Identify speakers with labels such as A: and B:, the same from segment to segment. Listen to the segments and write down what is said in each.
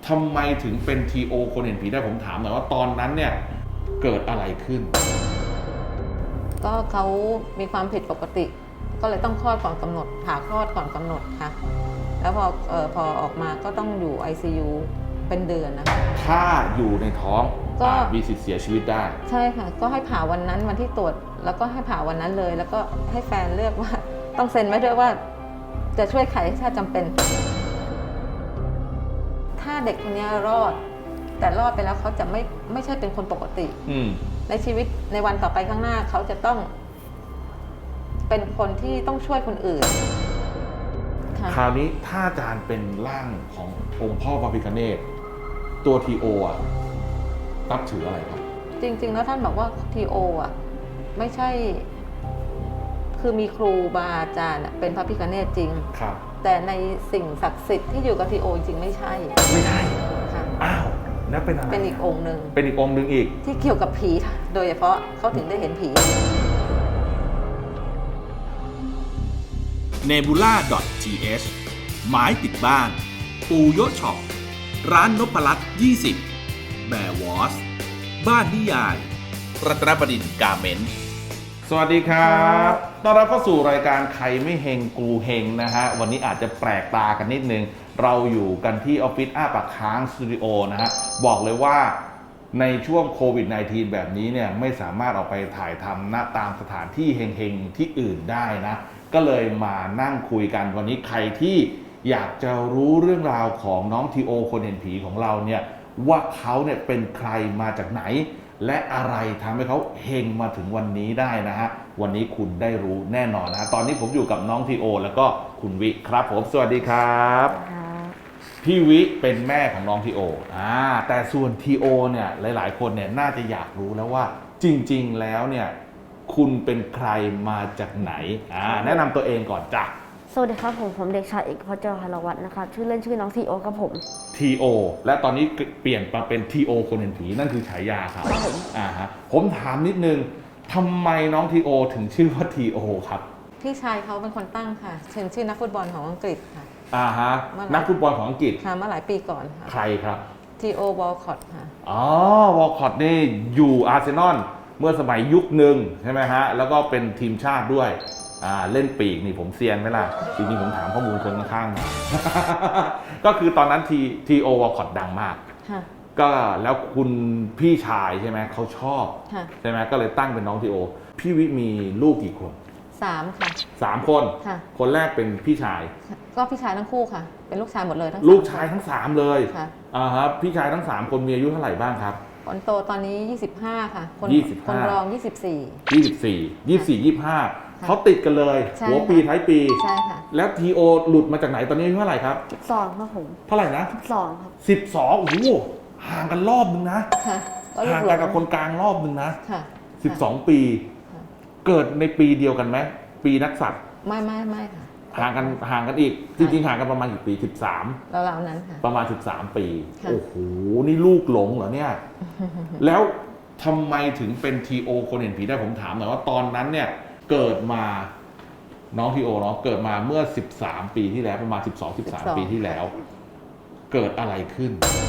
A: ทำไมถึงเป็น TO คนเห็นผีได้ผมถามหน่อยว่าตอนนั้นเนี่ยเกิดอะไรขึ้น
B: ก็เขามีความผิดปกติก็เลยต้องคลอดก่อนกำหนดผ่าคลอดก่อนกำหนดค่ะแล้วพอออกมาก็ต้องอยู่ ICU เป็นเดือนนะคะ
A: ถ้าอยู่ในท้อง
B: ก็
A: มีสิทธิ์เสียชีวิตได้
B: ใช่ค่ะก็ให้ผ่าวันนั้นวันที่ตรวจแล้วก็ให้ผ่าวันนั้นเลยแล้วก็ให้แฟนเลือกว่าต้องเซ็นไว้ด้วยว่าจะช่วยใครถ้าจำเป็นถ้าเด็กคนนี้รอดแต่รอดไปแล้วเขาจะไม่ใช่เป็นคนปกติในชีวิตในวันต่อไปข้างหน้าเขาจะต้องเป็นคนที่ต้องช่วยคนอื่น
A: คราวนี้ถ้าอาจารย์เป็นร่างขององค์พ่อพระพิฆเนศตัวทีโอนับถืออะไรครับ
B: จริงๆแล้วท่านบอกว่าทีโอไม่ใช่คือมีครูบาอาจารย์เป็นพระพิฆเนศจริง
A: ครับ
B: แต่ในสิ่งศักดิ์สิทธิ์ที่อยู่กับทีโอจริงไม่ใช่
A: ค่ะอ้าวนั่นเป็นอะไร
B: เป็นอีกองค์หนึ่ง
A: เป็นอีกองค์หนึ่งอีก
B: ที่เกี่ยวกับผีโดยเฉพาะเขาถึงได้เห็นผี
C: nebula.th หมายติดบ้านปูโยช็อปร้านนพรัตน์20แบร์วอสบ้านนิยายรัตนบดินทร์กาเมนต์
A: สวัสดีครับต้อนรับเข้าสู่รายการใครไม่เฮงกูเฮงนะฮะวันนี้อาจจะแปลกตากันนิดนึงเราอยู่กันที่ออฟฟิศอ้าปากค้างสตูดิโอนะฮะบอกเลยว่าในช่วงโควิด -19 แบบนี้เนี่ยไม่สามารถออกไปถ่ายทำณตามสถานที่เฮงๆที่อื่นได้นะก็เลยมานั่งคุยกันวันนี้ใครที่อยากจะรู้เรื่องราวของน้องทีโอคนเห็นผีของเราเนี่ยว่าเขาเนี่ยเป็นใครมาจากไหนและอะไรทำให้เขาเฮงมาถึงวันนี้ได้นะฮะวันนี้คุณได้รู้แน่นอนนะฮะตอนนี้ผมอยู่กับน้องทีโอแล้วก็คุณวิครับผมสวัสดีครับพี่วิเป็นแม่ของน้องทีโอแต่ส่วนทีโอเนี่ยหลายๆคนเนี่ยน่าจะอยากรู้แล้วว่าจริงๆแล้วเนี่ยคุณเป็นใครมาจากไหนแนะนำตัวเองก่อนจ้ะ
D: สวัสดีครับผมเด็กชายเอกพจน์ เจริญหารวัฒน์นะครับชื่อเล่นชื่อน้องทีโอครับผม
A: ทีโอและตอนนี้เปลี่ยนมาเป็นทีโอคนเห็นผีนั่นคือฉายาครับผมถามนิดนึงทำไมน้องทีโอถึงชื่อว่าทีโอครับ
B: พี่ชายเขาเป็นคนตั้งค่ะชื่อนักฟุตบอลของอังกฤษค่ะ
A: นักฟุตบอลของอังกฤษ
B: ค่ะเมื่อหลายปีก่อนค่ะ
A: ใครครับ
B: ทีโอวอลคอตค่ะ
A: วอลคอตนี่อยู่อาร์เซนอลเมื่อสมัยยุคหนึ่งใช่ไหมฮะแล้วก็เป็นทีมชาติด้วยเล่นปีกนี่ผมเซียนไหมล่ะจริงๆผมถามข้อมูลคนข้างๆก็คือตอนนั้นทีโอวอลคอตดังมากก็แล้วคุณพี่ชายใช่ไหมเขาชอบใช่ไหมก็เลยตั้งเป็นน้องทีโอพี่วิมีลูกกี่คน
B: 3ค่ะ
A: 3คนคนแรกเป็นพี่ชาย
B: ก็พี่ชายทั้งคู่ค่ะเป็นลูกชายหมดเลยทั้ง
A: ลูกชายทั้ง3เลยครับพี่ชายทั้ง3คนมีอายุเท่าไหร่บ้างครับ
B: คนโตตอนนี้25ค่ะคนรอง
A: 24 เขาติดกันเลยหัวปีท้ายปี
B: ใช่ค่ะ
A: แล้วทีโอหลุดมาจากไหนตอนนี้อายุเท่าไหร่ครับ
D: 12ครับผม
A: เท่าไหร่นะ
D: 12ครับ
A: 12โอ้โหห่างกันรอบนึงนะห่างกันกับคนกลางรอบนึงนะ12 ปีเกิดในปีเดียวกันไหมปีนักสัตว์
B: ไม่ค่ะ
A: ห่างกันอีกจริงๆห่างกันประมาณกี่ปี13
B: แล้วนั้นค่ะ
A: ประมาณ13 ปีโอ้โหนี่ลูกหลงเหรอเนี่ยแล้วทำไมถึงเป็นทีโอคนเห็นผีได้ผมถามหน่อยว่าตอนนั้นเนี่ยเกิดมาน้องทีโอเนาะเกิดมาเมื่อ13 ปีที่แล้วประมาณ12-13 ปีที่แล้วเกิดอะไรขึ้น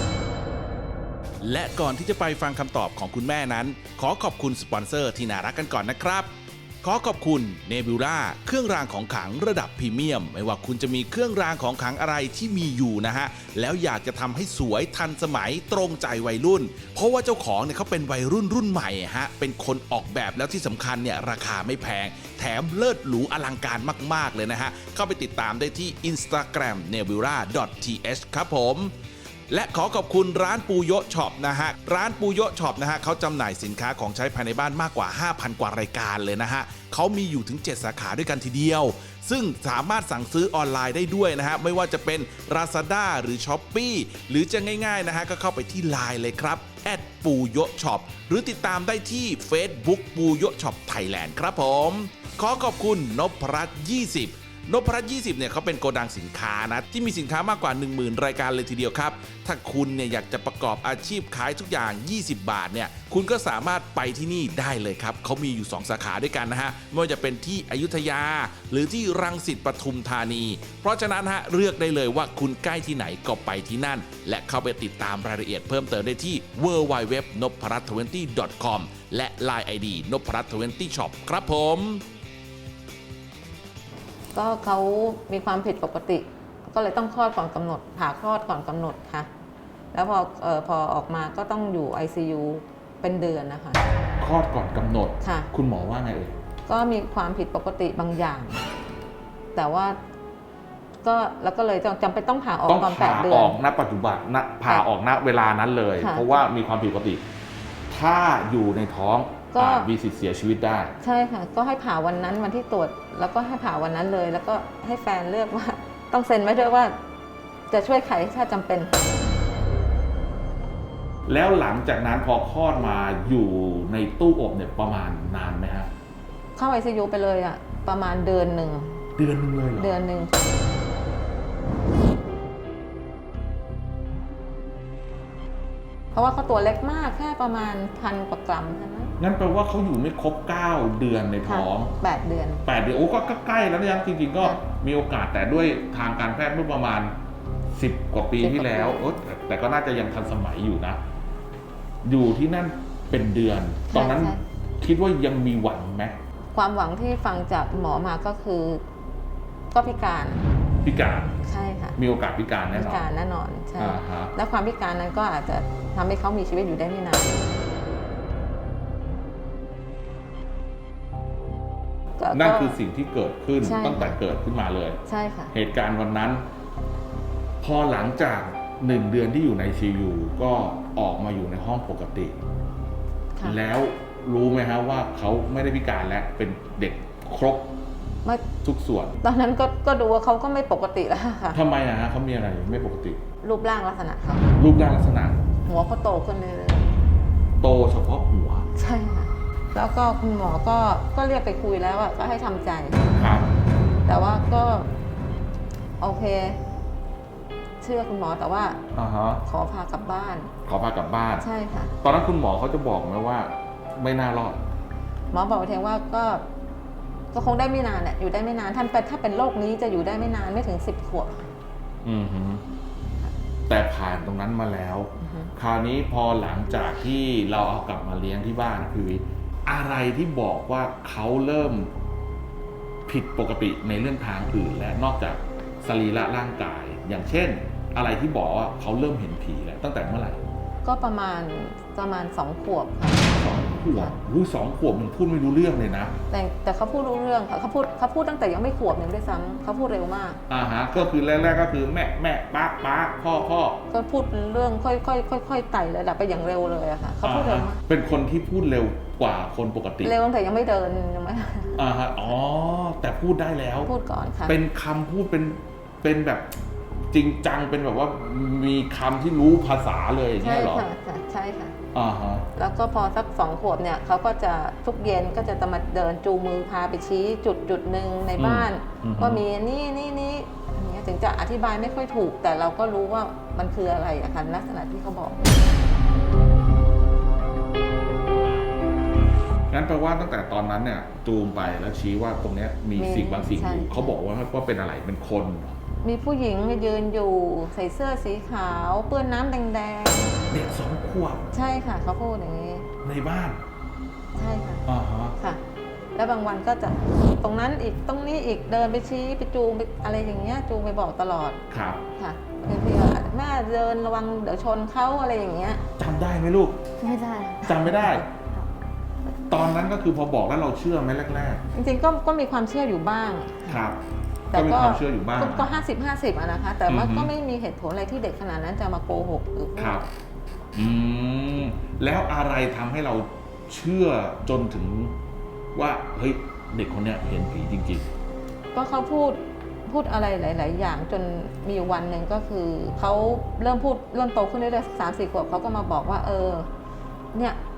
C: และก่อนที่จะไปฟังคำตอบของคุณแม่นั้นขอขอบคุณสปอนเซอร์ที่น่ารักกันก่อนนะครับขอขอบคุณ Nebula เครื่องรางของขลังระดับพรีเมียมไม่ว่าคุณจะมีเครื่องรางของขลังอะไรที่มีอยู่นะฮะแล้วอยากจะทำให้สวยทันสมัยตรงใจวัยรุ่นเพราะว่าเจ้าของเนี่ยเขาเป็นวัยรุ่นใหม่ฮะเป็นคนออกแบบแล้วที่สำคัญเนี่ยราคาไม่แพงแถมเลิศหรูอลังการมากๆเลยนะฮะเข้าไปติดตามได้ที่ Instagram nebula.th ครับผมและขอขอบคุณร้านปูโยช็อปนะฮะร้านปูโยช็อปนะฮะเขาจำหน่ายสินค้าของใช้ภายในบ้านมากกว่า 5,000 กว่ารายการเลยนะฮะเขามีอยู่ถึง7 สาขาด้วยกันทีเดียวซึ่งสามารถสั่งซื้อออนไลน์ได้ด้วยนะฮะไม่ว่าจะเป็น Lazada หรือ Shopee หรือจะง่ายๆนะฮะก็เข้าไปที่ LINE เลยครับปูโยช็อปหรือติดตามได้ที่ Facebook ปูโยช็อปไทยแลนด์ครับผมขอขอบคุณนพรัตน์20 นพรัตน์20เนี่ยเขาเป็นโกดังสินค้านะที่มีสินค้ามากกว่า 10,000 รายการเลยทีเดียวครับถ้าคุณเนี่ยอยากจะประกอบอาชีพขายทุกอย่าง20 บาทเนี่ยคุณก็สามารถไปที่นี่ได้เลยครับเขามีอยู่2สาขาด้วยกันนะฮะไม่ว่าจะเป็นที่อยุธยาหรือที่รังสิตปทุมธานีเพราะฉะนั้นฮะเลือกได้เลยว่าคุณใกล้ที่ไหนก็ไปที่นั่นและเข้าไปติดตามรายละเอียดเพิ่มเติมได้ที่ www.nopparat20.com และ Line ID นพรัตน์20 Shop ครับผม
B: ก็เขามีความผิดปกติ ก็เลยต้องคลอดก่อนกำหนดผ่าคลอดก่อนกำหนดค่ะ แล้วพอออกมาก็ต้องอยู่ ICU เป็นเดือนนะคะ
A: คลอดก่อนกำหนด
B: ค่ะ
A: คุณหมอว่าไงเอ่ย
B: ก็มีความผิดปกติบางอย่าง แต่ว่าก็แล้วก็เลยจำเป็นต้องผ่าออก
A: ต้อง
B: ก่อน
A: ผ่า
B: 8 เดื
A: อ
B: อน
A: อกณปัจจุบันณผ่าออกณเวลานั้นเลย
B: ค่ะ
A: เพราะว่ามีความผิดปกติ ถ้าอยู่ในท้อง
B: ก็
A: อาจมีสิทธิ์เสียชีวิตได้
B: ใช่ค่ะ ก็ให้ผ่าวันนั้นวันที่ตรวจ แล้วก็ให้ผ่าวันนั้นเลย แล้วก็ให้แฟนเลือกว่าต้องเซ็นไว้ด้วยว่าจะช่วยใครถ้าจำเป็น
A: แล้วหลังจากนั้นพอคลอดมาอยู่ในตู้อบเนี่ยประมาณนานไหมฮะ
B: เข้า ICU ไปเลยอะประมาณเดือนหนึ่ง
A: เดือนนึงเลยเหรอ
B: เดือนหนึ่งเพราะว่าเขาตัวเล็กมากแค่ประมาณ1,000 กว่ากรัมเท่านั้น
A: งั้นแปลว่าเขาอยู่ไม่ครบ 9 เดือนในท้อง
B: 8 เดือน
A: 8 เดือนโอ้ก็ใกล้แล้วนะจริงๆก็
B: ค่ะ
A: มีโอกาสแต่ด้วยทางการแพทย์เมื่อประมาณ 10 กว่าปี
B: 10
A: ที่แล้ว
B: กว่าปี
A: โอ้แต่ก็น่าจะยังทันสมัยอยู่นะ อยู่ที่นั่นเป็นเดือน ตอนนั้น
B: ใช่
A: คิดว่ายังมีหวังไหม
B: ความหวังที่ฟังจากหมอมาก็คือ ก็พิการ
A: พิการ
B: ใช่ค่ะ
A: มีโอกาสพิการแน่
B: พิ
A: นอน
B: การแน่นอนใช่
A: อ่าฮะ
B: และความพิการนั้นก็อาจจะทำให้เขามีชีวิตอยู่ได้ไม่นานก็
A: นั่นคือสิ่งที่เกิดขึ้น
B: ใช่
A: ตั้งแต่เกิดขึ้นมาเลย
B: ใช่ค่ะ
A: เหตุการณ์วันนั้น พอหลังจาก1 เดือนที่อยู่ใน CU ก็ออกมาอยู่ในห้องปกติ
B: ค่ะ
A: แล้วรู้ไหมฮะว่าเขาไม่ได้พิการแล้วเป็นเด็กครบ
B: เมื่อ
A: ทุกส่วน
B: ตอนนั้นก็ดูว่าเขาก็ไม่ปกติแล้วค่ะ
A: ทำไมอะฮะเขามีอะไรไม่ปกติ
B: รูปร่างลักษณะเขา
A: รูปร่างลักษณะ
B: หัวเขาโตขึ้นเลย
A: โตเฉพาะหัว
B: ใช่ค่ะ แล้วก็คุณหมอก็เรียกไปคุยแล้วอะก็ให้ทำใจ
A: ครับ
B: แต่ว่าก็โอเค เชื่อคุณหมอแต่ว่า
A: อ่าฮะ
B: ขอพากลับบ้าน
A: ขอพากลับบ้าน
B: ใช่ค่ะ
A: ตอนนั้นคุณหมอเขาจะบอกไหมว่า ไม่น่ารอด
B: หมอบอกเพียงว่าก็คงได้ไม่นานเนี่ยอยู่ได้ไม่นานถ้าเป็นโรคนี้จะอยู่ได้ไม่นานไม่ถึง10 ขวบ
A: อือฮึแต่ผ่านตรงนั้นมาแล้ว
B: อือฮึ
A: คราวนี้พอหลังจากที่เราเอากลับมาเลี้ยงที่บ้านพี่วิทย์อะไรที่บอกว่าเขาเริ่มผิดปกติในเรื่องทางอื่น และนอกจากสรีระร่างกาย อย่างเช่น อะไรที่บอกว่าเขาเริ่มเห็นผีแล้วตั้งแต่เมื่อไหร่
B: ก็ประมาณ2 ขวบค่ะ
A: 2 ขวบอุ้ย2 ขวบมันพูดไม่รู้เรื่องเลยนะ
B: แต่เขาพูดรู้เรื่องค่ะเขาพูดตั้งแต่ยังไม่ขวบยังด้วยซ้ำเขาพูดเร็วมาก
A: อ่าฮะก็คือแรกๆก็คือแม่ป้าพ่อ
B: ก็พูดเรื่องค่อยไต่ระดับไปอย่างเร็วเลยอะค่ะเขาพูดเร็วมาก
A: เป็นคนที่พูดเร็วกว่าคนปกติ
B: เร็วตั้งแต่ยังไม่เดินยังไม่
A: อ่าฮะอ๋อแต่พูดได้แล้ว
B: พูดก่อนค่ะ
A: เป็นคำพูดเป็นแบบจริงจังเป็นแบบว่ามีคำที่รู้ภาษาเลยอย่าง
B: ใช่
A: เงี้ยเหรอ
B: ค่ะใช่ค่ะ
A: อ่าฮะ
B: แล้วก็พอสัก2 ขวบเนี่ยเขาก็จะทุกเย็นก็จะมาเดินจูงมือพาไปชี้จุดหนึ่งในบ้าน ว่ามีนี่อย่างเงี้ยถึงจะอธิบายไม่ค่อยถูก แต่เราก็รู้ว่ามันคืออะไรอะค่ะลักษณะที่เขาบอก
A: งั้นแปลว่าตั้งแต่ตอนนั้นเนี่ยจูงไปแล้วชี้ว่าตรงเนี้ยมีสิ่งบางสิ่งอยู่
B: ใช่
A: เขาบอกว่าเป็นอะไรเป็นคนเหรอ
B: มีผู้หญิงยืนอยู่ใส่เสื้อสีขาวเปื้อนน้ำแดง
A: เด็ก2 ขวบ
B: ๆใช่ค่ะเขาพูดอย่างนี้
A: ในบ้าน
B: ใช่ค่ะ
A: อ่าฮะ
B: ค่ะ แล้วบางวันก็จะตรงนั้นอีกตรงนี้อีกเดินไปชี้ไปจูงไปอะไรอย่างเงี้ยจูงไปบอกตลอด
A: ครับ
B: ค่ะบางทีก็แม่เดินระวังเดี๋ยวชนเขาอะไรอย่างเงี้ย
A: จำได้ไหมลูก
D: ไม่ได้
A: จำไม่ได้ ตอนนั้นก็คือพอบอกแล้วเราเชื่อไหมแรก
B: จริงๆก็มีความเชื่ออยู่บ้าง
A: ๆครับ
B: แต่
A: ก็มีความเชื่ออยู่บ้าง
B: ก็50-50อะนะคะ แต่ว่า
A: อือฮึ
B: ก็ไม่มีเหตุผลอะไรที่เด็กขนาดนั้นจะมาโกหกหรือพูด
A: ครับ อืมแล้วอะไรทำให้เราเชื่อจนถึงว่าเฮ้ยเด็กคนเนี้ยเห็นผีจริง
B: ก็เขาพูดอะไรหลาย ๆ อย่างจนมีอยู่วันหนึ่งก็คือเขาเริ่มโตขึ้นเรื่อยๆ3-4 ขวบเขาก็มาบอกว่าเนี่ย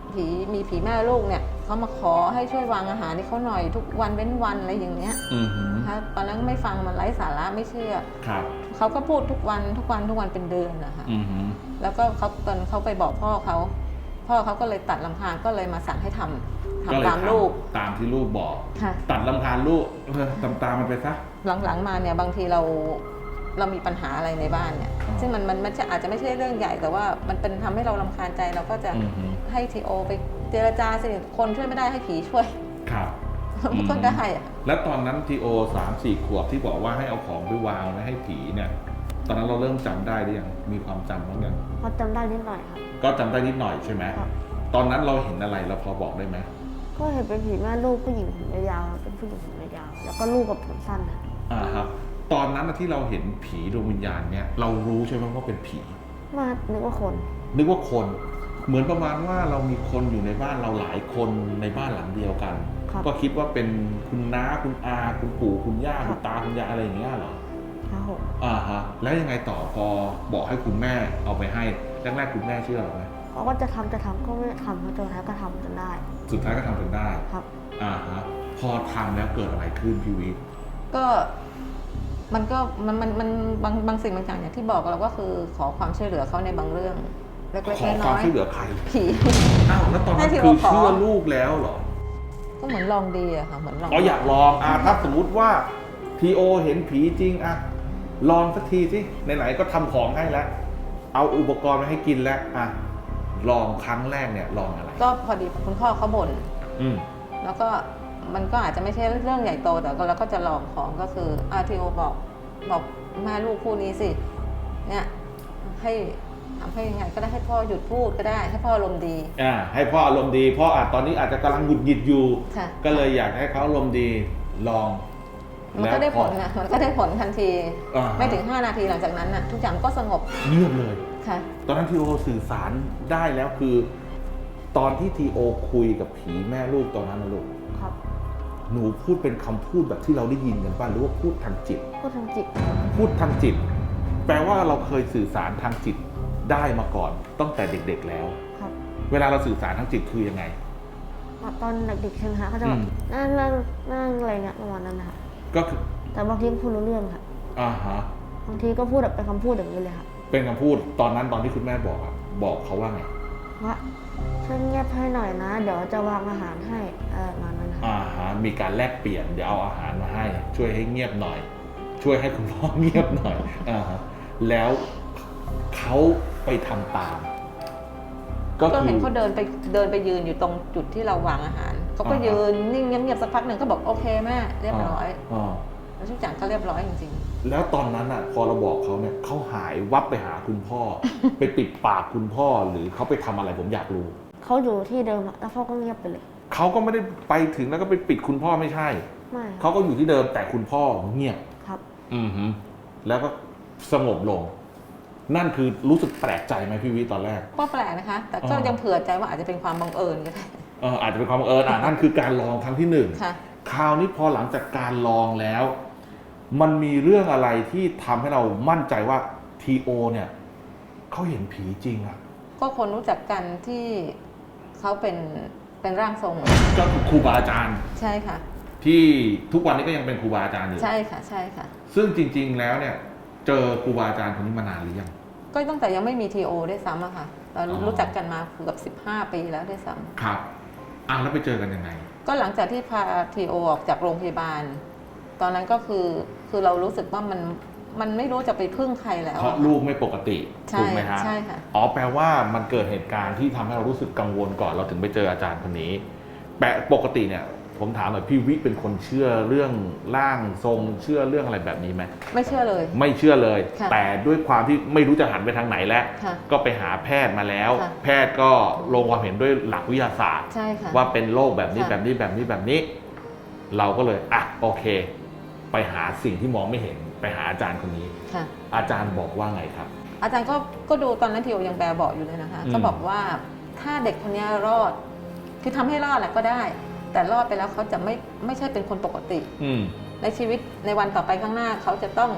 B: มีผีแม่ลูกเนี่ยเขามาขอให้ช่วยวางอาหารให้เขาหน่อยทุกวันเว้นวันอะไรอย่างเงี้ย
A: อือหือ
B: นะคะตอนนั้นไม่ฟังมันไร้สาระไม่เชื่อ
A: ครับ
B: เขาก็พูดทุกวันเป็นเดือนนะคะ
A: อือหือ
B: แล้วก็ตอนเขาไปบอกพ่อเขาก็เลยตัดลำพางก็เลยมาสั่งให้ทำ
A: ก็เลย
B: ตามลูก
A: ตามที่ลูกบอก
B: ค่ะ
A: ตัดลำคาญลูกตามมันไปซะ
B: หลังๆมาเนี่ยบางทีเรามีปัญหาอะไรในบ้านเนี่ย
A: อ๋อ
B: ซึ่งมันจะอาจจะไม่ใช่เรื่องใหญ่แต่ว่ามันเป็นทำให้เรารำคาญใจเราก็จะ
A: อือหือ
B: ให้ทีโอไปเจรจาสิคนช่วยไม่ได้ให้ผีช่วย
A: ครับ
B: มันก็ได้อะ
A: แล้วตอนนั้นทีโอ3-4 ขวบที่บอกว่าให้เอาของไปวางไว้ให้ผีเนี่ย ตอนนั้นเราเริ่มจำได้หรือยังมีความจำบ้างยัง
D: พอจำได้นิดหน่อยครับ
A: ก็จำได้นิดหน่อยใช่ไหม
D: ครับ
A: ตอนนั้นเราเห็นอะไรเราพอบอกได้ไหม
D: ก็เห็นเป็นผีแม่ลูกผู้หญิงผมยาวๆเป็นผู้หญิงผมยาวๆแล้วก็ลูกกับผมสั้นครับ
A: ครับ ตอนนั้นที่เราเห็นผีดวงวิญญาณเนี่ยเรารู้ใช่ไหมว่าเป็นผี
D: มานึกว่าคน
A: นึกว่าคน เหมือนประมาณว่าเรามีคนอยู่ในบ้านเราหลายคนในบ้านหลังเดียวกัน
D: ครับ
A: ก็คิดว่าเป็นคุณน้าคุณอาคุณปู่คุณย่า
D: ครั
A: คุ
D: บ
A: ณตาคุณยายอะไรอย่างเงี้ยเหรอ
D: ครับผม
A: แล้วยังไงต่อพอบอกให้คุณแม่เอาไปให้แรกๆคุณแม่เชื่อหรือไหม
D: เขาก็จะทำก็ไม่ทำเพราะจนท้ายก็ทำจนได้
A: สุดท้ายก็ทำจนได้
D: ครับ
A: พอทำแล้วเกิดอะไรขึ้นพี่วิ
B: ก็มันก็มันบางสิ่งบางอย่างอย่างที่บอกเราก็คือขอความช่วยเหลือเขาในบางเรื่องเล็ก
A: ขอ
B: ๆ
A: ความ
B: น้อย
A: ช่วยเหลือใคร
B: ๆผี
A: อ้าวแล้วตอนนั้น
B: ให้ที่
A: คือ
B: เราขอ
A: เชื่อลูกแล้วเหรอ
B: ก็เหมือนลองดีอะค่ะเหมือนลอง
A: อยากลองถ้าสมมุติว่าทีโอเห็นผีจริงลองสักทีสิไหนๆก็ทำของให้แล้ว เอาอุปกรณ์มาให้กินแล้วลองครั้งแรกเนี่ยลองอะไร
B: ก็พอดีคุณพ่อเขาบ่น
A: อืม
B: แล้วก็มันก็อาจจะไม่ใช่เรื่องใหญ่โตแต่ก็เราก็จะลองของก็คือทีโอบอกแม่ลูกคู่นี้สิเนี่ยให้ทำให้ยังไงก็ได้ให้พ่อหยุดพูดก็ได้ให้พ่ออารมณ์ดี
A: ให้พ่ออารมณ์ดีพ่อตอนนี้อาจจะกำลังหงุดหงิดอยู่
B: ค่ะ
A: ก็เลยอยากให้เขาอารมณ์ดีลอง
B: มันก็ได้ผลนะมันก็ได้ผลทันที
A: อ่าฮะ
B: ไม่ถึง 5 นาทีหลังจากนั้นน่ะทุกอย่างก็สงบ
A: เงียบเลย
B: ค่ะ
A: ตอนนั้นทีโอสื่อสารได้แล้วคือ ตอนที่ทีโอคุยกับผีแม่ลูกตอนนั้นนะลูก
D: ครับ
A: หนูพูดเป็นคำพูดแบบที่เราได้ยินกันป่ะหรือว่าพูดทางจิต
D: พูดทางจิต
A: พูดทางจิต แปลว่าเราเคยสื่อสารทางจิตได้มาก่อนตั้งแต่เด็กๆแล้ว
D: ครับ
A: เวลาเราสื่อสารทางจิตคือยังไง
D: ตอนเด็กๆใช่ไหมคะเขาจะแบบนั่งอะไรเงี้ยประมาณนั้นนะคะ
A: ก็คือ
D: แต่บางทีก็พูดรู้เรื่องค่ะ
A: ฮะ
D: บางทีก็พูดแบบเป็นคำพูดอย่างนี้เลยค่ะ
A: เป็นคำพูดตอนนั้นตอนที่คุณแม่บอกบอกเขาว่าไง
D: ว่าช่วยเงียบให้หน่อยนะ เดี๋ยวจะวางอาหารให้ประมาณนั้นค่ะ
A: มีการแลกเปลี่ยนเดี๋ยวเอาอาหารมาให้ ช่วยให้เงียบหน่อย ช่วยให้คุณพ่อเงียบหน่อยแล้วเขาไปทำตาม
B: ก็
A: คือ
B: เห็นเขาเดินไปยืนอยู่ตรงจุดที่เราวางอาหารเขาก็
A: อ่าฮะ
B: ยืนนิ่งเงียบๆสักพักหนึ่งก็บอกโอเคแม่เรียบร้อย
A: า
B: แล้วทุกอย่างก็เรียบร้อยจริง
A: แล้วตอนนั้นพอเราบอกเขาเนี่ยเขาหายวับไปหาคุณพ่อ ไปปิดปากคุณพ่อหรือเขาไปทำอะไรผมอยากรู้
D: เขาอยู่ที่เดิมอะแล้วพ่อก็เงียบไปเลย
A: เขาก็ไม่ได้ไปถึงแล้วก็ไปปิดคุณพ่อไม่ใช่
D: ไม่
A: เขาก็อยู่ที่เดิมแต่คุณพ่อเงียบ
D: ครับ
A: แล้วก็สงบลง นั่นคือรู้สึกแปลกใจไหมพี่วิตอนแรก
B: ๆก็แปลกนะคะ แต่ก็
A: อ๋อ
B: ยังเผื่อใจว่าอาจจะเป็นความบังเอิญก็ได้
A: อาจจะเป็นความบังเอิญนั่นคือการลองครั้งที่หนึ่ง
B: ค่ะ
A: คราวนี้พอหลังจากการลองแล้ว มันมีเรื่องอะไรที่ทำให้เรามั่นใจว่าทีโอเนี่ยเขาเห็นผีจริง
B: ก็คนรู้จักกันที่เขาเป็นร่างทรง
A: ก็คือครูบาอาจารย์
B: ใช่ค่ะ
A: ที่ทุกวันนี้ก็ยังเป็นครูบาอาจารย์อยู่
B: ใช่ค่ะใช่ค่ะ
A: ซึ่งจริง ๆ แล้วเนี่ย เจอครูบาอาจารย์คนนี้มานานหรือยัง
B: ก็ตั้งแต่ยังไม่มีทีโอด้วยซ้ำอะค่ะเรา
A: อ๋อ
B: รู้จักกันมาเกือบ15 ปีแล้วด้วยซ้ำ
A: ครับแล้วไปเจอกันยังไง
B: ก็หลังจากที่พาทีโอออกจากโรงพยาบาล ตอนนั้นก็คือเรารู้สึกว่ามันไม่รู้จะไปพึ่งใครแล้ว
A: เพราะลูกไม่ปกติ
B: ใช่
A: ถูกไหมฮะ
B: ใช่ค่ะ
A: แปลว่ามันเกิดเหตุการณ์ที่ทำให้เรารู้สึกกังวลก่อนเราถึงไปเจออาจารย์คนนี้ปกติเนี่ย ผมถามหน่อยพี่วิเป็นคนเชื่อเรื่องร่างทรงเชื่อเรื่องอะไรแบบนี้ไหม
B: ไม่เชื่อเลย
A: ไม่เชื่อเลย
B: ค่ะ
A: แต่ด้วยความที่ไม่รู้จะหันไปทางไหนแล้ว
B: ค่ะ
A: ก็ไปหาแพทย์มาแล้ว
B: ค่ะ
A: แพทย์ก็ลงความเห็นด้วยหลักวิทยาศาสตร์
B: ใช่ค่ะ
A: ว่าเป็นโรคแบบนี้
B: ค่ะ
A: แบบนี้แบบนี้แบบนี้ เราก็เลยโอเค ไปหาสิ่งที่มองไม่เห็นไปหาอาจารย์คนนี้
B: ค่ะ
A: อาจารย์บอกว่าไงครับ
B: อาจารย์ก็ดูตอนนั้นทีโอยังแบบอยู่เลยนะคะ
A: อืม
B: ก็บอกว่าถ้าเด็กคนนี้รอด คือทำให้รอดแหละก็ได้ แต่รอดไปแล้วเขาจะไม่ใช่เป็นคนปกติ ในชีวิตในวันต่อไปข้างหน้าเขาจะต้อง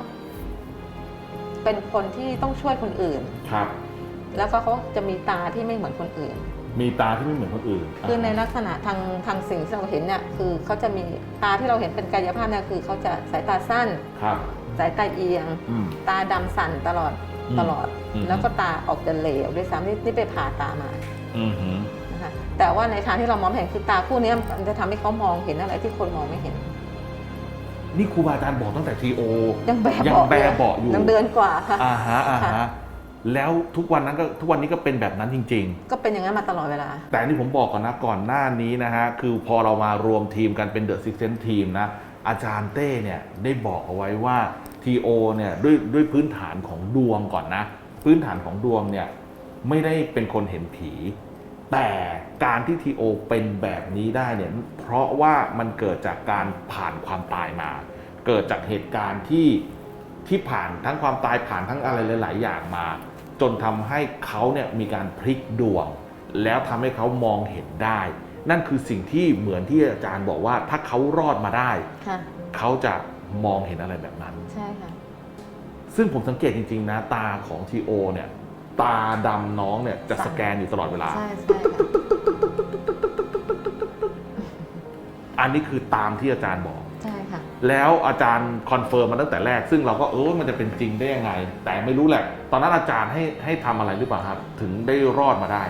B: เป็นคนที่ต้องช่วยคนอื่น
A: ครับ
B: แล้วก็เขาจะมีตาที่ไม่เหมือนคนอื่น
A: มีตาที่ไม่เหมือนคนอื่น
B: คือในลักษณะทางสิ่งที่เราเห็นเนี่ยคือเขาจะมีตาที่เราเห็นเป็นกายภาพเนี่ยคือเขาจะสายตาสั้น
A: ครับ
B: สายตาเอียง
A: อืม
B: ตาดำสั่นตลอด
A: อืม
B: แล้วก็ตาออกจะเหลวด้วยซ้ำนี่ไปผ่าตามา
A: อือหือ
B: นะคะแต่ว่าในทางที่เรามองไม่เห็นคือตาคู่เนี้ยมันจะทำให้เขามองเห็นอะไรที่คนมองไม่เห็น
A: นี่ครูบาอาจารย์บอกตั้งแต่ทีโอ
B: ยังแบ
A: ยังแบเบาะอยู่
B: ยังเดือนกว่าค่ะ
A: อ่าฮะ
B: ค่ะ
A: แล้วทุกวันนี้ก็เป็นแบบนั้นจริง
B: ก็เป็นอย่างนั้นมาตลอดเวลา
A: ๆ แต่นี่ผมบอกก่อนนะก่อนหน้านี้นะฮะคือพอเรามารวมทีมกันเป็นเดอะซิกเซนทีมนะอาจารย์เต้เนี่ยได้บอกเอาไว้ว่าทีโอเนี่ยด้วยพื้นฐานของดวงก่อนนะพื้นฐานของดวงเนี่ยไม่ได้เป็นคนเห็นผี แต่การที่ทีโอเป็นแบบนี้ได้เนี่ยเพราะว่ามันเกิดจากการผ่านความตายมา เกิดจากเหตุการณ์ที่ผ่านทั้งความตายผ่านทั้งอะไรหลายๆอย่างมา จนทำให้เขาเนี่ยมีการพลิกดวง แล้วทำให้เขามองเห็นได้ นั่นคือสิ่งที่เหมือนที่อาจารย์บอกว่าถ้าเขารอดมาได้
B: ค่ะ
A: เขาจะมองเห็นอะไรแบบนั้น
B: ใช่ค่ะ
A: ซึ่งผมสังเกตจริงๆนะตาของทีโอเนี่ยตาดำน้องเนี่ยจะสแกนอยู่ตลอดเวลา
B: ใช่ค่ะ
A: อันนี้คือตามที่อาจารย์บอก
B: ใช่ค่ะ
A: แล้วอาจารย์คอนเฟิร์มมาตั้งแต่แรก ซึ่งเราก็มันจะเป็นจริงได้ยังไง แต่ไม่รู้แหละ ตอนนั้นอาจารย์ให้ทำอะไรหรือเปล่าครับ ถึงได้รอดมาได้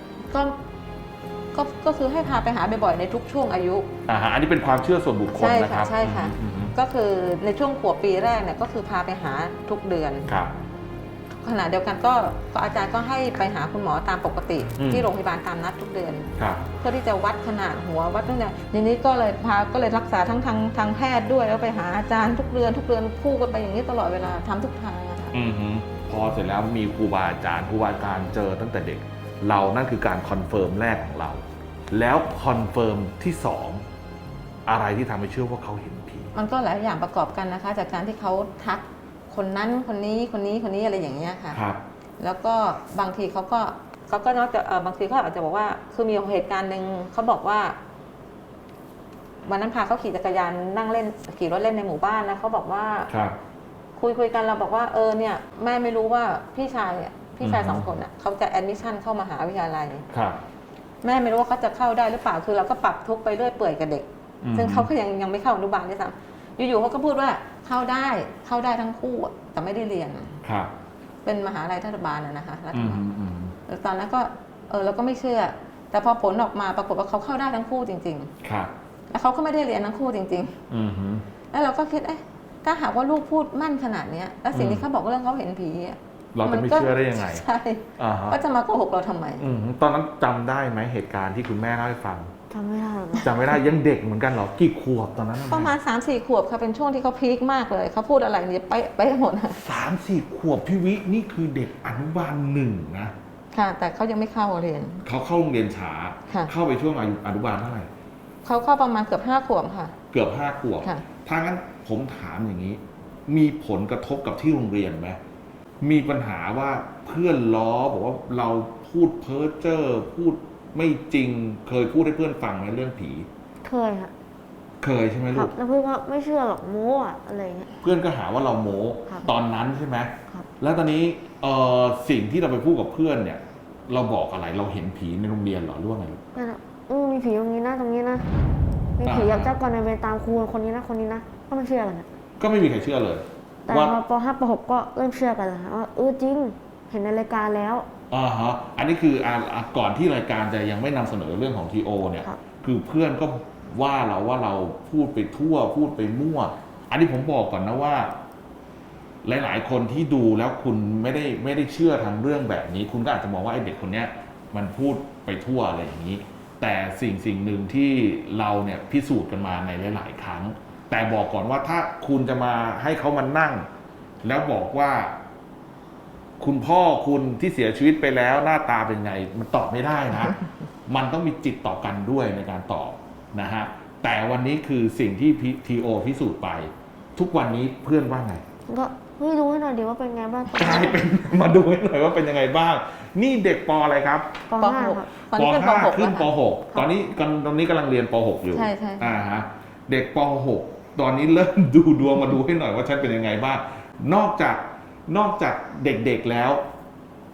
B: ก็คือให้พาไปหาบ่อยๆในทุกช่วงอายุ
A: อันนี้เป็นความเชื่อส่วนบุคคล
B: ใช่
A: นะค
B: ค่ะ
A: รับ
B: ใช่ค่ะ
A: อืม
B: ก็คือในช่วงขวบปีแรกเนี่ยก็คือพาไปหาทุกเดือน
A: ครับ
B: ขณะเดียวกันก็อาจารย์ก็ให้ไปหาคุณหมอตามปกติ
A: อืม
B: ที่โรงพยาบาลตามนัดทุกเดือน
A: ครับ
B: เพื่อที่จะวัดขนาดหัววัดตั้งแต่ในนี้ก็เลยรักษาทั้งทางแพทย์ด้วยแล้วไปหาอาจารย์ทุกเดือนคู่กันไปอย่างนี้ตลอดเวลาทำทุกทางอะค่ะ
A: พอเสร็จแล้วมีครูบาอาจารย์เจอตั้งแต่เด็ก เรานั่นคือการคอนเฟิร์มแรกของเรา แล้วคอนเฟิร์มที่สองอะไรที่ทำให้เชื่อว่าเขาเห็นผี
B: มันก็หลายอย่างประกอบกันนะคะ จากการที่เขาทักคนนั้นคนนี้อะไรอย่างเงี้ยค่ะ
A: ครับ
B: แล้วก็บางทีเขาก็นอกจากบางทีเขาอาจจะบอกว่าคือมีเหตุการณ์หนึ่งเขาบอกว่าวันนั้นพาเขาขี่จักรยานนั่งเล่นขี่รถเล่นในหมู่บ้านแล้วเขาบอกว่า
A: ครับ
B: คุยกันเราบอกว่าเนี่ยแม่ไม่รู้ว่าพี่ชาย
A: อือฮึ
B: สองคนเขาจะแอดมิชชั่นเข้ามหาวิทยาลัย
A: ครับ
B: แม่ไม่รู้ว่าเขาจะเข้าได้หรือเปล่าคือเราก็ปรับทุกข์ไปเรื่อยเปื่อยกับเด็ก
A: อืม
B: ซึ่งเขาก็ยังไม่เข้าอนุบาลด้วยซ้ำอยู่ๆเขาก็พูดว่าเข้าได้ทั้งคู่อะแต่ไม่ได้เรียน
A: ครับ
B: เป็นมหาลัยรัฐบาลนะคะรัฐ
A: อืม
B: บาล
A: อืม
B: แล้วตอนนั้นก็เราก็ไม่เชื่อ แต่พอผลออกมาปรากฏว่าเขาเข้าได้ทั้งคู่จริง
A: ครับ
B: ๆ แล้วเขาก็ไม่ได้เรียนทั้งคู่จริง
A: อืม
B: ๆ แล้วเราก็คิดถ้าหากว่าลูกพูดมั่นขนาดเนี้ยแล้วสิ่งที่เขาบอกเรื่องเขาเห็นผีอะ
A: เราจะไม่เชื่อได้ยังไง
B: ใช่
A: อ่าฮะ
B: ก็จะมาโกหกเราทำไม
A: ตอนนั้นจำได้ไหมเหตุการณ์ที่คุณแม่เล่าให้ฟัง
D: จำไม่ได้หรอกนะ
A: จำไม่ได้ยังเด็กเหมือนกันเหรอกี่ขวบตอนนั้น
B: ประมาณ 3-4 ขวบค่ะเป็นช่วงที่เขาพีคมากเลยเขาพูดอะไรเนี่ยไปหมดอะ
A: 3-4 ขวบพี่วินี่คือเด็กอนุบาล1นะ
B: ค่ะ แต่เขายังไม่เข้าเรียน
A: เขาเข้าโรงเรียนช้า
B: ค่ะ
A: เข้าไปช่วงอายุอนุบาลเท่าไหร่
B: เขาเข้าประมาณเกือบ5 ขวบค่ะ
A: เกือบ5 ขวบ
B: ค่ะ
A: ถ้างั้นผมถามอย่างนี้ มีผลกระทบกับที่โรงเรียนไหมมีปัญหาว่าเพื่อนล้อบอกว่าเราพูดเพ้อเจ้อพูดไม่จริงเคยพูดให้เพื่อนฟังไหมเรื่องผี
D: เคยค่ะ
A: เคยใช่ไหม
D: ค
A: ลู
D: รับ
A: ก
D: แล้วเพื่อนก็ไม่เชื่อหรอกโม้อะอะไรเงี้ย
A: เพื่อนก็หาว่าเราโม้
D: ครับ
A: ตอนนั้นใช่ไหม
D: ครับ
A: แล้วตอนนี้สิ่งที่เราไปพูดกับเพื่อนเนี่ย เราบอกอะไรเราเห็นผีในโรงเรียนเหรอหรือว่าไงลูก
D: นั่นแหละมีผีตรงนี้นะตรงนี้นะมีผีกับเจ้ากรรมนายเวรตามครูคนนี้นะคนนี้นะก็ไม่เชื่อกันอะ
A: ก็ไม่มีใครเชื่อเลย
D: แต่
A: ว่า
D: พอป .5 ป .6 ก็เริ่มเชื่อกันแล้วค่ะว่าจริงเห็นในรายการแล้ว
A: ฮะอันนี้คือก่อนที่รายการจะยังไม่นำเสนอเรื่องของทีโอเนี่ย
D: ครับ
A: คือเพื่อนก็ว่าเราพูดไปทั่วพูดไปมั่ว อันนี้ผมบอกก่อนนะว่า หลาย ๆ คนที่ดูแล้วคุณไม่ได้เชื่อทางเรื่องแบบนี้ คุณก็อาจจะมองว่าไอ้เด็กคนเนี้ยมันพูดไปทั่วอะไรอย่างนี้ แต่สิ่งหนึ่งที่เราเนี่ยพิสูจน์กันมาในหลาย ๆ ครั้ง แต่บอกก่อนว่าถ้าคุณจะมาให้เขามานั่ง แล้วบอกว่า คุณพ่อคุณที่เสียชีวิตไปแล้วหน้าตาเป็นไง มันตอบไม่ได้นะ มันต้องมีจิตต่อกันด้วยในการตอบนะฮะแต่วันนี้คือสิ่งที่ทีโอพิสูจน์ไป ทุกวันนี้เพื่อนว่าไง
D: ก็ดูให้หน่อยดีว่าเป็นไงบ้าง
A: กลายเป็น มาดูให้หน่อยว่าเป็นยังไงบ้าง นี่เด็กปอะไรครับ
D: ป
B: ป
D: .5
B: .6
D: ครับ
B: ตอนนี้เป็นป .6
A: ขึ้นป
B: แล้วค่ะ
A: .6 ตอนนี้กำลังเรียนป .6 อยู่
B: ใช่ใช่
A: ฮะเด็กป .6 ตอนนี้เริ่มดูดวงมาดูให้หน่อยว่าฉันเป็นยังไงบ้างนอกจากเด็กๆแล้ว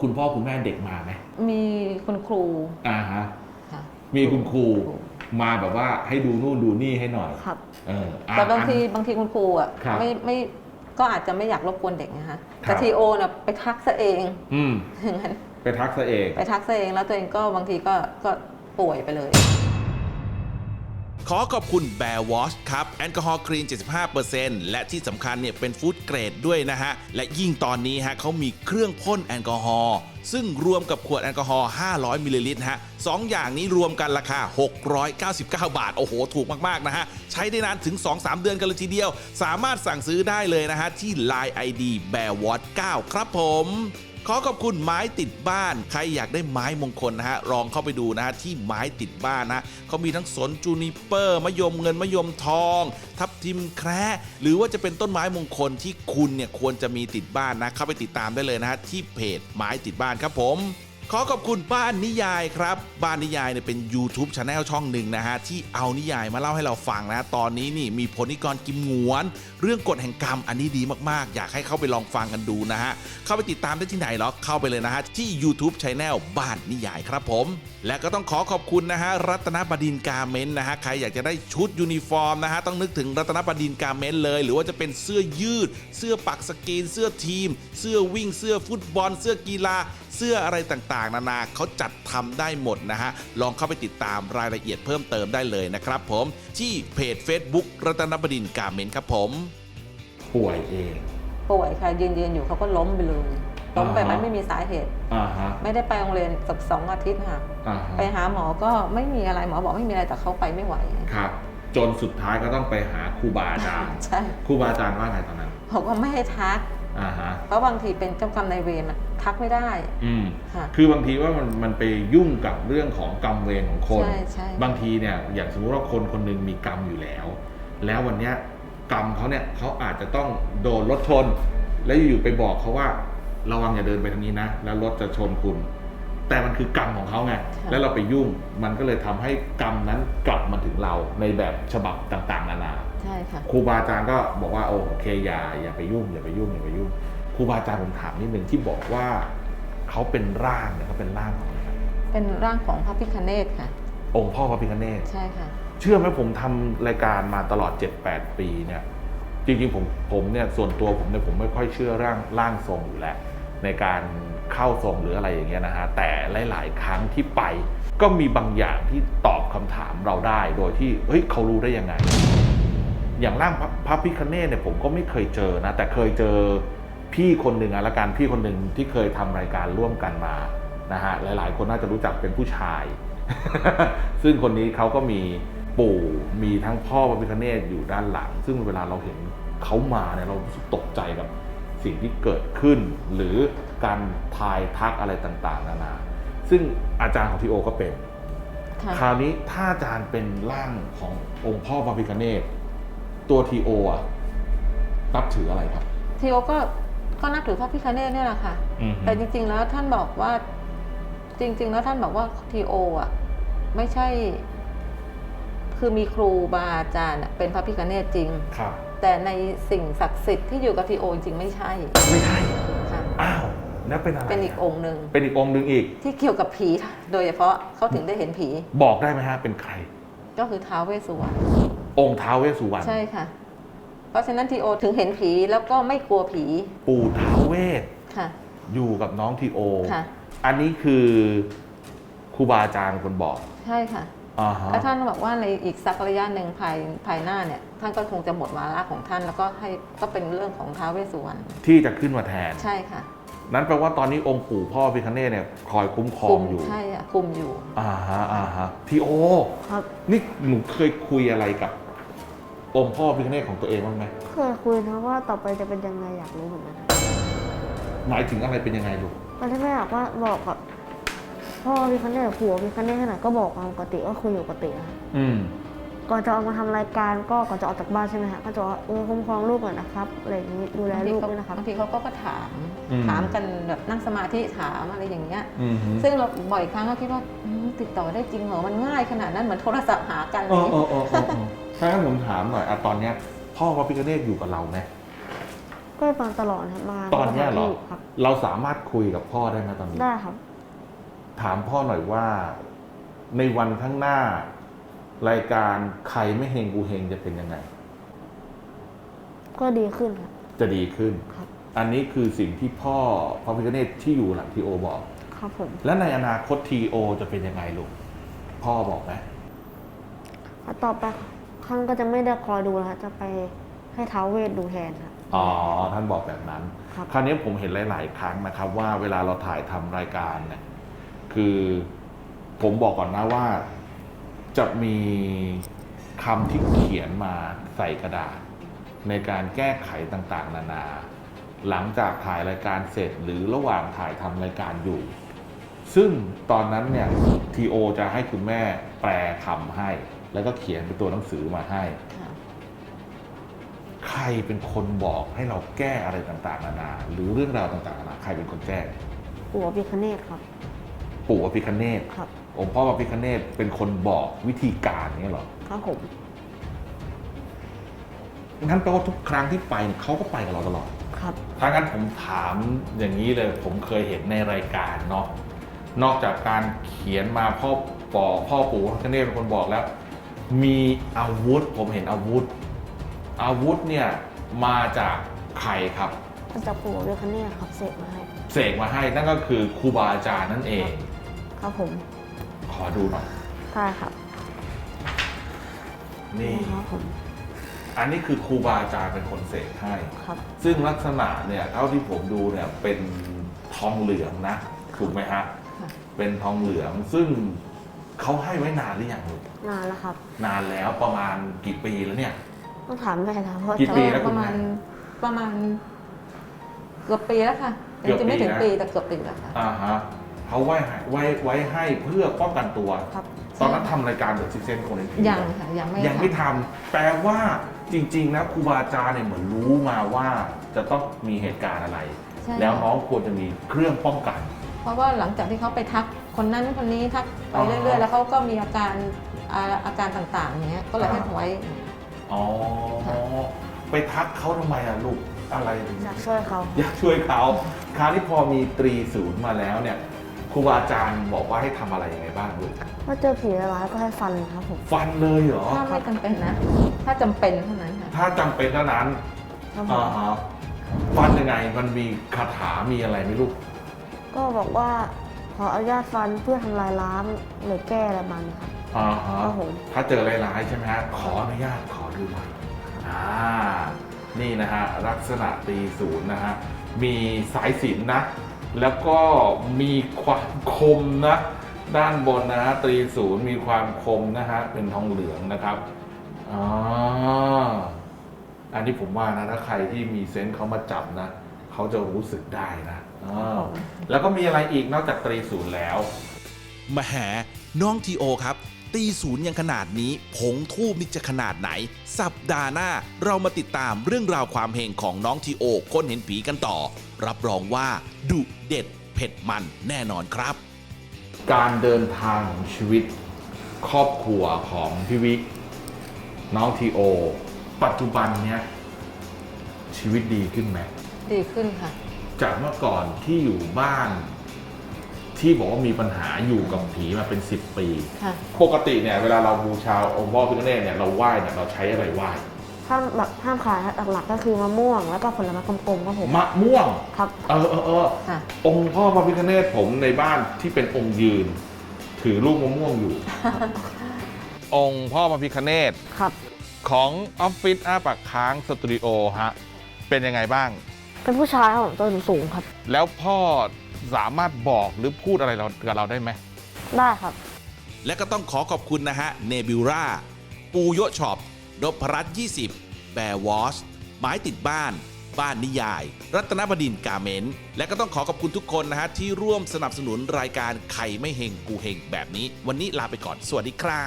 A: คุณพ่อคุณแม่เด็กมาไหม
B: มีคุณครู
A: อ่าฮะ
B: ค่ะ
A: มีคุณครูมาแบบว่าให้ดูนู่นดูนี่ให้หน่อย
D: ครับ
B: แต่บางทีคุณครูอ่ะ
A: ครับ
B: ไม่ก็อาจจะไม่อยากรบกวนเด็กนะคะ
A: ครั
B: แต่
A: บ
B: ทีโอน่ะไปทักซะเอง
A: อืม
B: อย่างนั้น
A: ไปทักซะเอง
B: ไปทักซะเองแล้วตัวเองก็บางทีก็ป่วยไปเลย
C: ขอขอบคุณ Bear Wash ครับ แอลกอฮอล์คลีน 75% และที่สำคัญเนี่ยเป็นฟู้ดเกรดด้วยนะฮะ และยิ่งตอนนี้ฮะเขามีเครื่องพ่นแอลกอฮอล์ซึ่งรวมกับขวดแอลกอฮอล์ 500 มิลลิลิตรฮะสองอย่างนี้รวมกันราคา 699 บาท โอ้โห ถูกมาก ๆ นะฮะ ใช้ได้นานถึง 2-3 เดือนกันเลยทีเดียว สามารถสั่งซื้อได้เลยนะฮะ ที่ Line ID Bear Wash 9 ครับผม ขอขอบคุณไม้ติดบ้าน ใครอยากได้ไม้มงคลนะฮะ ลองเข้าไปดูนะฮะที่ไม้ติดบ้านนะเขามีทั้งสนจูนิเปอร์มะยมเงินมะยมทอง ทับทิมแคระหรือว่าจะเป็นต้นไม้มงคลที่คุณเนี่ยควรจะมีติดบ้านนะ เข้าไปติดตามได้เลยนะฮะที่เพจไม้ติดบ้านครับผม ขอขอบคุณบ้านนิยายครับ บ้านนิยายเนี่ยเป็น YouTube Channel ช่องหนึ่งนะฮะที่เอานิยายมาเล่าให้เราฟังนะตอนนี้นี่มีพลนิกรกิมหงวน เรื่องกฎแห่งกรรมอันนี้ดีมากๆ อยากให้เข้าไปลองฟังกันดูนะฮะเข้าไปติดตามได้ที่ไหนหรอเข้าไปเลยนะฮะที่ YouTube Channel บ้านนิยายครับผม และก็ต้องขอขอบคุณนะฮะรัตนบดินทร์การ์เมนต์นะฮะใครอยากจะได้ชุดยูนิฟอร์มนะฮะต้องนึกถึงรัตนบดินทร์การ์เมนต์เลยหรือว่าจะเป็นเสื้อยืด เสื้อปักสกรีนเสื้อทีม เสื้อวิ่งเสื้อฟุตบอล เสื้อกีฬา เสื้ออะไรต่างๆนานาเขาจัดทำได้หมดนะฮะลองเข้าไปติดตามรายละเอียดเพิ่มเติมได้เลยนะครับผมที่เพจ Facebook รัตนบดินทร์การ์เมนต์ครับผม
A: ป่วยเอง
B: ป่วยค่ะยืนอยู่เขาก็ล้มไปเลยล้มไป
A: อ่าฮะ
B: มันไม่มีสาเหตุ
A: อ่าฮะ
B: ไม่ได้ไปโรงเรียนสัก2 อาทิตย์ค่ะ
A: อ่าฮะ
B: ไปหาหมอก็ไม่มีอะไรหมอบอกไม่มีอะไรแต่เขาไปไม่ไหว
A: ครับ จนสุดท้ายก็ต้องไปหาครูบาอาจารย์
B: ใช่
A: ครูบาอาจารย์ว่าไงตอนนั้น
B: บอกว่าไม่ให้ทัก
A: อ่าฮะ
B: เพราะบางทีเป็นเจ้ากรรมนายเวรมันทักไม่ได้
A: อืม
B: ค่ะ
A: คือบางทีว่ามันไปยุ่งกับเรื่องของกรรมเวรของคน
B: ใช่ใช่
A: บางทีเนี่ยอย่างสมมติว่าคนคนหนึงมีกรรมอยู่แล้ว แล้ววันเนี้ยกรรมเขาเนี่ยเขาอาจจะต้องโดนรถชน แล้วอยู่ๆไปบอกเขาว่าระวังอย่าเดินไปทางนี้นะ แล้วรถจะชนคุณ แต่มันคือกรรมของเขาไง แล้วเราไปยุ่ง มันก็เลยทำให้กรรมนั้นกลับมาถึงเราในแบบฉบับต่างๆนานา
B: ใช่ค่ะ
A: ครูบาอาจารย์ก็บอกว่าโอเคอย่าไปยุ่งอย่าไปยุ่งอย่าไปยุ่งครูบาอาจารย์ผมถามนิดนึงที่บอกว่าเขาเป็นร่างเนี่ยเขาเป็นร่างของอะไรครับ
B: เป็นร่างของพระพิฆเนศค่ะ
A: องค์พ่อพระพิฆเนศ
B: ใช่ค่ะ
A: เชื่อไหมผมทำรายการมาตลอด 7-8 ปีเนี่ยจริงๆผมเนี่ยส่วนตัวผมเนี่ยผมไม่ค่อยเชื่อร่างทรงอยู่แล้วในการเข้าทรงหรืออะไรอย่างเงี้ยนะฮะแต่หลายๆครั้งที่ไปก็มีบางอย่างที่ตอบคำถามเราได้โดยที่เฮ้ยเขารู้ได้ยังไง อย่างร่างพระพิฆเนศเนี่ยผมก็ไม่เคยเจอนะแต่เคยเจอพี่คนหนึ่งละกันพี่คนหนึ่งที่เคยทำรายการร่วมกันมานะฮะหลายๆคนน่าจะรู้จักเป็นผู้ชาย ซึ่งคนนี้เขาก็มีปู่มีทั้งพ่อพระพิฆเนศอยู่ด้านหลัง ซึ่งเวลาเราเห็นเขามาเนี่ยเรารู้สึกตกใจกับสิ่งที่เกิดขึ้น หรือการทายทักอะไรต่างๆนานาซึ่งอาจารย์ของทีโอก็เป็น
B: ค่ะ
A: คราวนี้ถ้าอาจารย์เป็นร่างขององค์พ่อพระพิฆเนศตัวทีโออะนับถืออะไรครับ
B: ทีโอก็นับถือพระพิฆเนศเนี่ยแหละค่ะ
A: อือฮึ
B: แต่จริงๆแล้วท่านบอกว่าจริง ๆ แล้วท่านบอกว่าทีโออ่ะไม่ใช่ คือมีครูบาอาจารย์อะเป็นพระพิฆเนศจริง
A: ครับ
B: แต่ในสิ่งศักดิ์สิทธิ์ที่อยู่กับทีโอจริงๆไม่ใช่
A: ไม่ใช่
B: ค่ะ
A: อ้าวแล้วเป็นอะไร
B: เป็นอีกองค์หนึ่ง
A: เป็นอีกองค์หนึ่งอีก
B: ที่เกี่ยวกับผีโดยเฉพาะเขาถึงได้เห็นผี
A: บอกได้ไหมฮะเป็นใคร
B: ก็คือท้าวเวสสุวรรณ
A: องค์ท้าวเวสสุวรรณ
B: ใช่ค่ะ เพราะฉะนั้นทีโอถึงเห็นผีแล้วก็ไม่กลัวผี
A: ปู่ท้าวเวส
B: ค่ะ
A: อยู่กับน้องทีโอ
B: ค่ะ
A: อันนี้คือครูบาอาจารย์คนบอก
B: ใช่ค่ะ
A: อ่าฮะ
B: แล้วท่านบอกว่าในอีกสักระยะหนึ่งภายหน้าเนี่ย ท่านก็คงจะหมดวาระของท่าน แล้วก็ก็เป็นเรื่องของท้าวเวสสุวรรณ
A: ที่จะขึ้นมาแทน
B: ใช่ค่ะ
A: นั้นแปลว่าตอนนี้องค์ปู่พ่อพิฆเนศเนี่ยคอยคุ้มครองอยู่
B: ใช่ค่ะคุมอยู่
A: อ่าฮะทีโอ
D: ครับ
A: นี่หนูเคยคุยอะไรกับองค์พ่อพิฆเนศของตัวเองบ้างไหม
D: เคยคุยนะว่าต่อไปจะเป็นยังไงอยากรู้เหมือนกัน
A: หมายถึงอะไรเป็นยังไงลูก
D: ตอนที่แม่บอกว่าบอกกับพ่อพี่คันเนตผัวพี่คันเนตขนาดก็บอกตามปกติก็คุยอยู่ปกตินะ
A: อืม
D: ก่อนจะออกมาทำรายการก็ก่อนจะออกจากบ้านใช่ไหมฮะก็จะว่าคุ้มครองลูกหน่อยนะครับอะไรอย่างนี้ดูแลลูกด้วยนะครับ
B: บางทีเขาก็ถาม
A: อืม
B: ถามกันแบบนั่งสมาธิถามอะไรอย่างเงี้ย
A: อืม
B: ซึ่งเราบ่อยครั้งก็คิดว่าติดต่อได้จริงเหรอ มันง่ายขนาดนั้นเหมือนโทรศัพท์หากันเล
A: อ๋อย ถ้างั้นผมถามหน่อยอะตอนเนี้ยพ่อพระพิฆเนศอยู่กับเราไหม
D: ก็ฟังตลอดครับมา
A: ตอนเนี้ยเหรอ
D: ครับ
A: เราสามารถคุยกับพ่อได้ไหมตอนนี้
D: ได้ครับ
A: ถามพ่อหน่อยว่า ในวันข้างหน้า รายการใครไม่เฮงกูเฮงจะเป็นยังไง
D: ก็ดีขึ้นครับ
A: จะดีขึ้น
D: ครับ
A: อันนี้คือสิ่งที่พ่อพระพิฆเนศที่อยู่หลังทีโอบอก
D: ครับผม
A: และในอนาคตทีโอจะเป็นยังไงลูกพ่อบอกไหม
D: ต่อไปท่านก็จะไม่ได้คอยดูแล้วครับจะไปให้ท้าวเวทดูแทนครับ
A: อ๋อท่านบอกแบบนั้น
D: ครับ
A: คราวนี้ผมเห็นหลาย ๆ ครั้งนะครับ ว่าเวลาเราถ่ายทำรายการเนี่ยคือผมบอกก่อนนะว่า จะมีคำที่เขียนมาใส่กระดาษ ในการแก้ไขต่าง ๆ นานา หลังจากถ่ายรายการเสร็จหรือระหว่างถ่ายทำรายการอยู่ ซึ่งตอนนั้นเนี่ยทีโอจะให้คุณแม่แปลคำให้ แล้วก็เขียนเป็นตัวหนังสือมาให้
B: ค่ะ
A: ใครเป็นคนบอกให้เราแก้อะไรต่างๆนานา หรือเรื่องราวต่างๆนานาใครเป็นคนแก้
D: ปู่พิฆเนศครับ
A: ปู่อภิคเนศ
D: ครับ
A: องค์พ่ออภิคเนศเป็นคนบอกวิธีการนี้เหรอ
D: ครับผม
A: งั้นแปลว่าทุกครั้งที่ไปเขาก็ไปกับเราตลอด
D: ครับ
A: ถ้างั้นผมถามอย่างนี้เลย ผมเคยเห็นในรายการเนาะนอกจากการเขียนมาพ่อปู่อภิคเนศเป็นคนบอกแล้ว มีอาวุธผมเห็นอาวุธ อาวุธเนี่ยมาจากใครครับ
D: มาจากปู่พิฆเนศครับเสกมาให้
A: เสกมาให้นั่นก็คือครูบาอาจารย์นั่นเอง
D: ครับผม
A: ขอดูหน่อย
D: ได้ครับ
A: นี่
D: ครับผม
A: อันนี้คือครูบาอาจารย์เป็นคนเสกให้
D: ครับ
A: ซึ่งลักษณะเนี่ยเท่าที่ผมดูเนี่ยเป็นทองเหลืองนะถูกไหมฮะ
B: ค่ะ
A: เป็นทองเหลืองซึ่งเขาให้ไว้นานหรือยังลูก
D: นานแล้วครับ
A: นานแล้วประมาณกี่ปีแล้วเนี่ย
D: ต้องถามแม่ครับเพราะ
A: กี่ปี
B: ก็
A: แล้ว
B: ป
A: คุณ
B: ระ
A: แม่
B: มาณเกือบปีแล้วค่ะ
A: เกือบ
B: จริงๆไม่ถึง
A: ปีนะ
B: ปีแต่เกือบปีแล้วค่ะ
A: อ่าฮะเขาไว้ให้เพื่อป้องกันตัว
D: ครับ
A: ตอนนั้นทำรายการเดอะซิกเซนคนในที
B: ยังค่ะยังไม่
A: ยังไม่ทำแปลว่าจริงๆแล้วครูบาอาจารย์เนี่ยเหมือนรู้มาว่าจะต้องมีเหตุการณ์อะไร
B: ใช่
A: แล้วน้องควรจะมีเครื่องป้องกัน
B: เพราะว่าหลังจากที่เขาไปทักคนนั้นคนนี้ทักไป
A: อ๋อ
B: เรื่อยๆ แล้วเขาก็มีอาการต่างๆอย่างเงี้ยก็เลยให้ไว้
A: อ๋อ ไปทักเขาทำไมอะลูกอะไรถึง
D: อยากช่วยเขา
A: อยากช่วยเขาคราวนี้พอมีตรีศูนย์มาแล้วเนี่ยครูบาอาจารย์บอกว่าให้ทำอะไรยังไงบ้างลูก
D: ถ้าเจอผีร้ายก็ให้ฟันครับผม
A: ฟันเลยเหรอ
B: ถ้าไม่จำเป็นนะ ถ้าจำเป็นเท่านั้นค่ะ
A: ถ้าจำเป็นเท่านั้น
D: ครับผม
A: อ่าฮะฟันยังไงมันมีคาถามีอะไรไหมลูก
D: ก็บอกว่าขออนุญาตฟันเพื่อทำลายล้างหรือแก้อะไรมันครับ
A: อ่าฮะ
D: ครับผม
A: ถ้าเจอร้ายๆใช่ไหมฮะขออนุญาตขอดูหน่อยนี่นะฮะลักษณะตรีศูนย์นะฮะมีสายสิญจนนะ แล้วก็มีความคมนะ ด้านบนนะฮะตรีศูนย์มีความคมนะฮะเป็นทองเหลืองนะครับอันนี้ผมว่านะถ้าใครที่มีเซนส์เขามาจับนะเขาจะรู้สึกได้นะแล้วก็มีอะไรอีกนอกจากตรีศูนย์แล้ว
C: แหมน้องทีโอครับ ตีศูนย์ยังขนาดนี้ผงทูบนี่จะขนาดไหน สัปดาห์หน้าเรามาติดตามเรื่องราวความเฮงของน้องทีโอคนเห็นผีกันต่อ รับรองว่าดุเด็ดเผ็ดมันแน่นอนครับ
A: การเดินทางของชีวิตครอบครัวของพี่วิน้องทีโอ ปัจจุบันเนี้ยชีวิตดีขึ้นไหม
B: ดีขึ้นค่ะ
A: จากเมื่อก่อนที่อยู่บ้าน ที่บอกว่ามีปัญหาอยู่กับผีมาเป็น 10 ปี
B: ค่ะ
A: ปกติเนี่ยเวลาเราบูชาองค์พ่อพิฆเนศเนี่ยเราไหว้เนี่ยเราใช้อะไรไหว้
D: ห้ามขายหลักๆก็คือมะม่วงแล้วก็ผลไม้กลมๆครับผม
A: มะม่วง
D: ครับ
B: ค่ะ
A: องค์พ่อพระพิฆเนศผมในบ้านที่เป็นองค์ยืน ถือลูกมะม่วงอยู่ องค์พ่อพระพิฆเนศ
D: ครับ
A: ของออฟฟิศอ้าปากค้างสตูดิโอฮะเป็นยังไงบ้าง
D: เป็นผู้ชายครับผมตัวสูงๆครับ
A: แล้วพ่อสามารถบอกหรือพูดอะไรกับเราได้ไหม
D: ได้ครับ
C: และก็ต้องขอขอบคุณนะฮะเนบิวราปูโยช็อปนพรัตน์20 แบร์วอชไม้ติดบ้าน บ้านนิยาย รัตนบดินทร์กาเมนต์และก็ต้องขอขอบคุณทุกคนนะฮะที่ร่วมสนับสนุนรายการใครไม่เฮงกูเฮงแบบนี้ วันนี้ลาไปก่อนสวัสดีครับ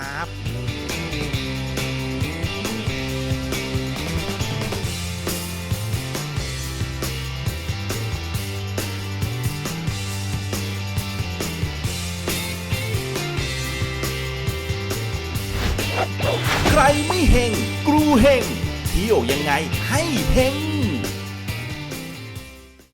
C: ใครไม่เฮงกรูเฮงเที่ยวยังไงให้เฮง